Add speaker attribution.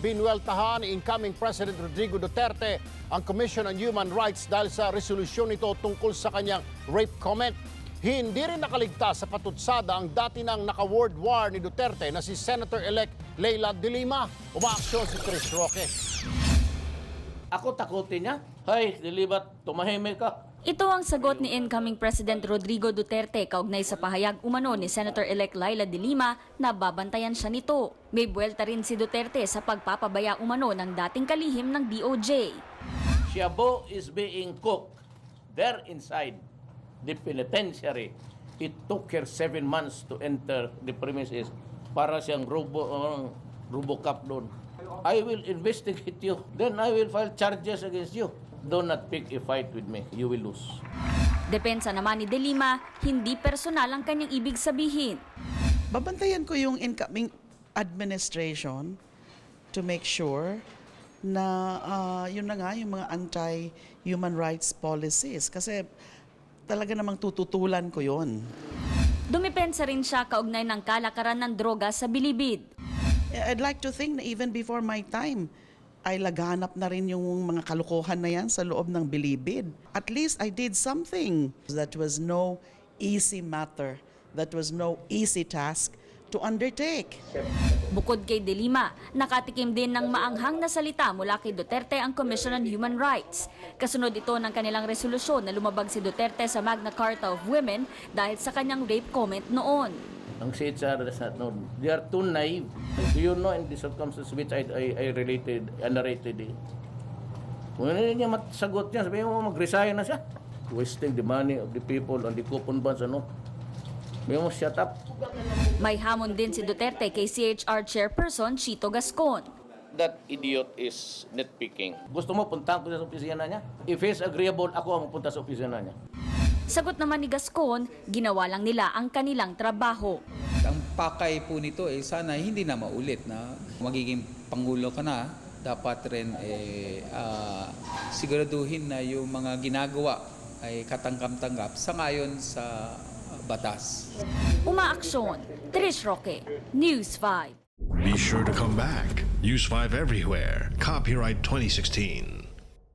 Speaker 1: binueltahan ni incoming President Rodrigo Duterte ang Commission on Human Rights dahil sa resolusyon nito tungkol sa kanyang rape comment. Hindi rin nakaligtas sa patutsada ang dati nang naka-word war ni Duterte na si Senator-elect Leila de Lima. Umaaksyon si Chris Roque.
Speaker 2: Ako takutin niya. Hay, Lilibat, tumahimik ka.
Speaker 3: Ito ang sagot ni incoming President Rodrigo Duterte kaugnay sa pahayag umano ni Senator-elect Leila de Lima na babantayan siya nito. May buwelta rin si Duterte sa pagpapabaya umano ng dating kalihim ng DOJ.
Speaker 2: Shabu is being cooked there inside the penitentiary. It took her 7 months to enter the premises para siyang RoboCop doon. I will investigate you. Then I will file charges against you. Do not pick a fight with me. You will lose.
Speaker 3: Depensa naman ni de Lima, hindi personal ang kanyang ibig sabihin.
Speaker 4: Babantayan ko yung incoming administration to make sure na yun na nga yung mga anti-human rights policies. Kasi talaga namang tututulan ko yun.
Speaker 3: Dumipensa rin siya kaugnay ng kalakaran ng droga sa Bilibid.
Speaker 4: I'd like to think na even before my time, ay laganap na rin yung mga kalokohan na yan sa loob ng Bilibid. At least I did something. That was no easy matter. That was no easy task to undertake.
Speaker 3: Bukod kay de Lima, nakatikim din ng maanghang na salita mula kay Duterte ang Commission on Human Rights. Kasunod ito ng kanilang resolusyon na lumabag si Duterte sa Magna Carta of Women dahil sa kanyang rape comment noon.
Speaker 2: Ang CHR does not know. They are too naive. Do you know in the circumstances which I narrated it? Kung hindi niya masagot niya, sabihin mo mag-resign na siya. Wasting the money of the people on the coupon bonds, ano? Sabihin mo, shut up.
Speaker 3: May hamon din si Duterte kay CHR Chairperson Chito Gascon.
Speaker 2: That idiot is nitpicking. Gusto mo puntahan ko sa opisina niya? If he's agreeable, ako ang pupunta sa opisina niya.
Speaker 3: Sagot naman ni Gascon, ginawa lang nila ang kanilang trabaho.
Speaker 5: Ang pakay po nito sana hindi na maulit na magiging pangulo ka na, dapat rin siguraduhin na yung mga ginagawa ay katanggap-tanggap sangayon sa batas.
Speaker 3: Umaaksyon, Trish Roque, News 5.
Speaker 6: Be sure to come back. Use 5 everywhere. Copyright 2016.